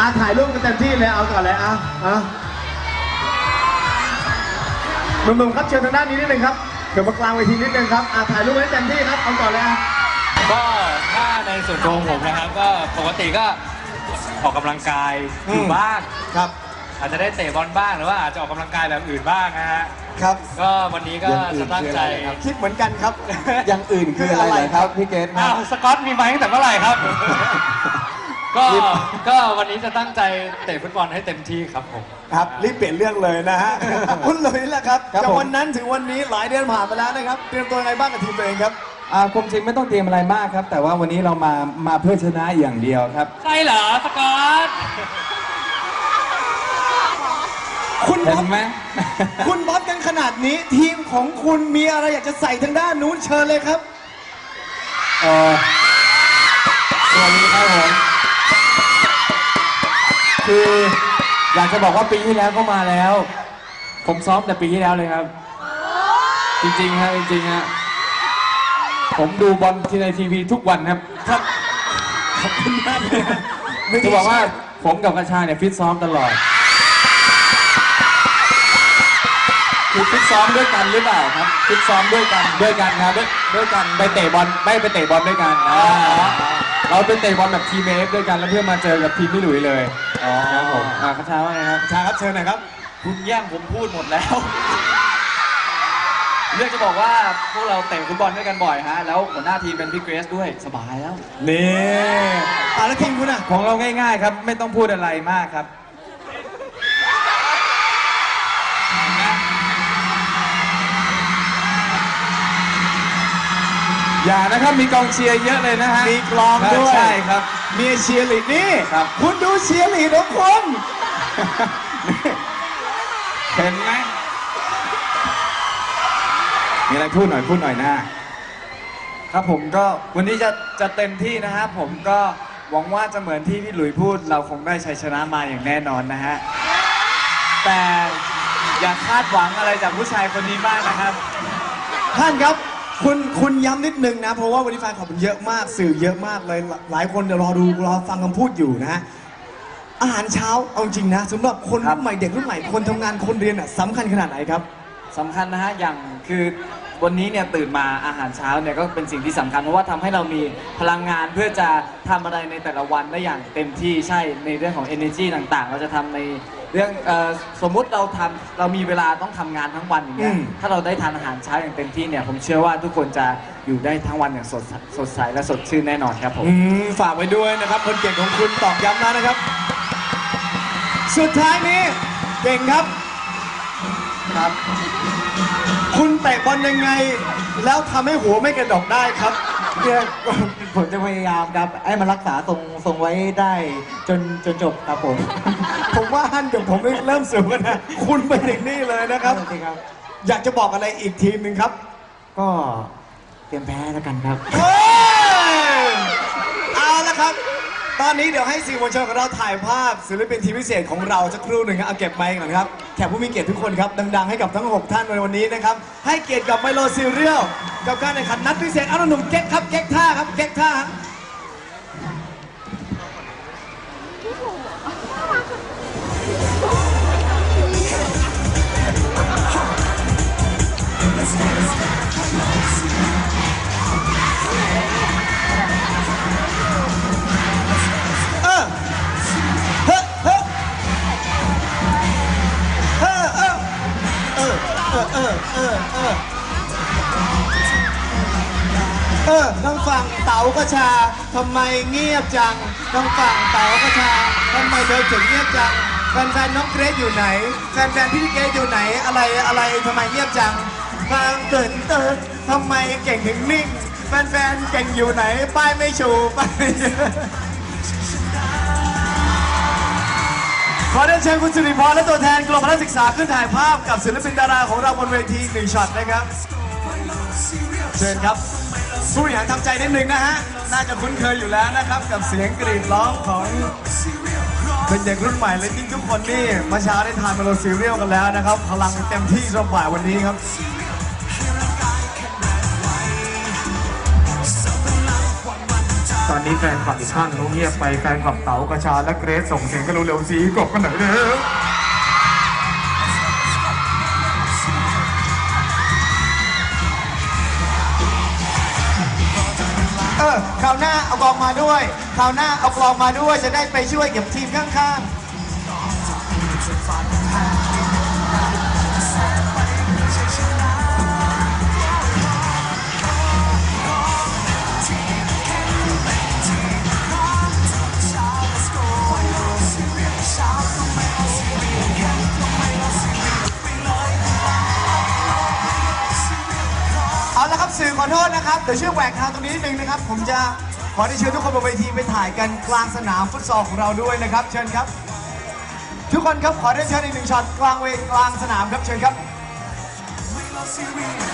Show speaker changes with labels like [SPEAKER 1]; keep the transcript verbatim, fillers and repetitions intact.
[SPEAKER 1] ถ่ายรูปกันเต็มที่เลยเอาก่อนเลยอ่ะอ่ะหนุ่มๆครับเชิญทางด้านนี้นิดนึงครับเดี๋ยวมากลางเวทีนิดนึงครับอ่ะถ่ายรูปให้เต็มที่ครับเอาก่อนเลยอ่ะ
[SPEAKER 2] ก็ถ้าในส่วนตัวของผมนะครับก็ปกติก็ออกกำลังกายอยู่บ้างครับอาจจะได้เตะบอลบ้างหรือว่าอาจจะออกกำลังกายแบบอื่นบ้างนะฮะครับก็วันนี้ก็จะตั้งใจ
[SPEAKER 1] คิดเหมือนกันครับ
[SPEAKER 3] อย่างอื่นคืออะไรครับพี่เกต
[SPEAKER 2] อ้าวสกอตมีไหมตั้งแต่เมื่อไหร่ครับก็ก็วันนี้จะตั้งใจเตะฟุตบอลให้เต็มที่ครับผม
[SPEAKER 1] ครับรีบเปลี่ยนเรื่องเลยนะฮะคุณหลุยส์แหละครับจากวันนั้นถึงวันนี้หลายเดือนผ่านไปแล้วนะครับเตรียมตัวไงบ้างกับทีมตัวเองครับ
[SPEAKER 3] อ่าความจริงไม่ต้องเตรียมอะไรมากครับแต่ว่าวันนี้เรามามาเพื่อชนะอย่างเดียวครับ
[SPEAKER 2] ใช่เหรอสกอต
[SPEAKER 1] คุณ
[SPEAKER 3] เห็นไหม
[SPEAKER 1] คุณบอสกันขนาดนี้ทีมของคุณมีอะไรอยากจะใส่ทางด้านนู้นเชิญเลยครับ
[SPEAKER 3] เออสวัสดีครับผมคืออยากจะบอกว่าปีที่แล้วก็มาแล้วผมซ้อมแต่ปีที่แล้วเลยครับจริงๆครับจริงๆฮะผมดูบอลที่ในทีวีทุกวันครับครับ
[SPEAKER 1] ขอบคุณมากเลย
[SPEAKER 3] จะบอกว่าผมกับกระชาเนี่ยฟิตซ้อมตลอดคือฟิตซ้อมด้วยกันหรือเปล่าครับฟิตซ้อมด้วยกันด้วยกันครับด้วยด้วยกันไปเตะบอลไม่ไปเตะบอลด้วยกันเราไปเตะบอลแบบทีมเอฟด้วยกันแล้วเพื่อมาเจอกับทีมพี่หลุยเลยอ๋อครับผมอ่ากระชาว่าไงครับ
[SPEAKER 1] กระชาครับเชิญหน่อยครับ
[SPEAKER 2] คุณแย่งผมพูดหมดแล้วเรื่องจะบอกว่าพวกเราเตะฟุตบอลด้วยกันบ่อยฮะแล้วหัวหน้าทีมเป็นพี่เกรซด้วยสบายแล้ว
[SPEAKER 1] นี่อ่ะแล้วทีมคุณอ่ะ
[SPEAKER 3] ของเราง่ายๆครับไม่ต้องพูดอะไรมากครับอย่านะครับมีกองเชียร์เยอะเลยนะฮะ
[SPEAKER 1] มีกลองด้วย
[SPEAKER 3] ใช่ครับ
[SPEAKER 1] มีเชียร์ลีดนี่
[SPEAKER 3] ครับ
[SPEAKER 1] คุณดูเชียร์ลีดของคน
[SPEAKER 3] เห็นไหมมีอะไรพูดหน่อยพูดหน่อยนะ
[SPEAKER 4] ครับผมก็วันนี้จะจะเต็มที่นะครับผมก็หวังว่าจะเหมือนที่พี่หลุยพูดเราคงได้ชัยชนะมาอย่างแน่นอนนะฮะแต่อย่าคาดหวังอะไรจากผู้ชายคนนี้มากนะครับ
[SPEAKER 1] ท่านครับคุณคุณย้ำนิดนึงนะเพราะว่าวันนี้แฟนคลับมันเยอะมากสื่อเยอะมากเลยหลายคนเดี๋ยวรอดูรอฟังคำพูดอยู่นะฮะอาหารเช้าเอาจริงนะสำหรับคนรุ่นใหม่เด็กรุ่นใหม่คนทำงานคนเรียนอ่ะสำคัญขนาดไหนครับ
[SPEAKER 4] สำคัญนะฮะอย่างคือวันนี้เนี่ยตื่นมาอาหารเช้าเนี่ยก็เป็นสิ่งที่สำคัญเพราะว่าทำให้เรามีพลังงานเพื่อจะทำอะไรในแต่ละวันได้อย่างเต็มที่ใช่ในเรื่องของ energy ต่างๆเราจะทำในเรื่องสมมุติเราทำเรามีเวลาต้องทำงานทั้งวันอย่างเงี้ยถ้าเราได้ทานอาหารเช้าอย่างเต็มที่เนี่ยผมเชื่อว่าทุกคนจะอยู่ได้ทั้งวันอย่างสดสดใสและสดชื่นแน่นอนครับผม
[SPEAKER 1] ฝากไว้ด้วยนะครับคนเก่งของคุณตอกย้ำแล้วนะครับสุดท้ายนี้เก่งครับครับคุณเตะบอลยังไงแล้วทำให้หัวไม่กระดกได้ครับ
[SPEAKER 5] เนี่ยผมจะพยายามครับให้มันรักษาทรงทรงไว้ได้จนจนจบครับผม
[SPEAKER 1] ผมว่าฮั่นกับผมเริ่มสูงกันนะคุณไปถึงนี่เลยนะครับอยากจะบอกอะไรอีกทีมหนึ่งครับ
[SPEAKER 5] ก็เตรียมแพ้แล้วกันครับ
[SPEAKER 1] เอาละครับตอนนี้เดี๋ยวให้สื่อมวลชนของเราถ่ายภาพศิลปินทีมพิเศษของเราสักครู่หนึ่งครับเอาเก็บไมค์ก่อนครับแขกผู้มีเกียรติทุกคนครับดังๆให้กับทั้งหกท่านในวันนี้นะครับให้เกียรติกับไมโลซีเรียลกับการแข่งขันนัดพิเศษเอาหนุ่มเก๊กครับเก๊กท่าครับเก๊กท่าเออทางฝั่งเต๋ากระชาทำไมเงียบจังทางฝั่งเต๋ากระชาทำไมเธอถึงเงียบจังแฟนๆน้องเกรซอยู่ไหนแฟนๆพี่เกรซอยู่ไหนอะไรอะไรทำไมเงียบจังทางเกินเติร์ดทำไมเก่งถึงนิ่งแฟนๆเก่งอยู่ไหนป้ายไม่ชูป้ายขอเรียนเชิญคุณสิริพรและตัวแทนกรมพละศึกษาขึ้นถ่ายภาพกับศิลปินดาราของเราบนเวทีหนึ่งช็อตนะครับเชิญครับผู้บริหารทำใจนิดนึงนะฮะน่าจะคุ้นเคยอยู่แล้วนะครับกับเสียงกรีดร้องของเป็นเด็กรุ่นใหม่และยิ่งทุกคนนี่เมื่อเช้าได้ทานเมโลซีเรียลกันแล้วนะครับพลังเต็มที่สำหรับบ่ายวันนี้ครับ
[SPEAKER 3] ตอนนี้แฟนคลับอีกข้างเขาเงียบไปแฟนคลับเต๋ากระชาและเกรซส่งเสียงกันเร็วๆสีกบกันหน่อยเร็ว
[SPEAKER 1] เออคราวหน้าเอากลองมาด้วยคราวหน้าเอากลองมาด้วยจะได้ไปช่วยเก็บทีมข้างๆเอาละครับสื่อขอโทษนะครับเดี๋ยวช่วยแหวกทางตรงนี้นิดนึงนะครับผมจะขอได้เชิญทุกคนบนเวทีไปถ่ายกันกลางสนามฟุตซอลของเราด้วยนะครับเชิญครับทุกคนครับขอได้เชิญอีกหนึ่งช็อตกลางเวทีกลางสนามครับเชิญครับ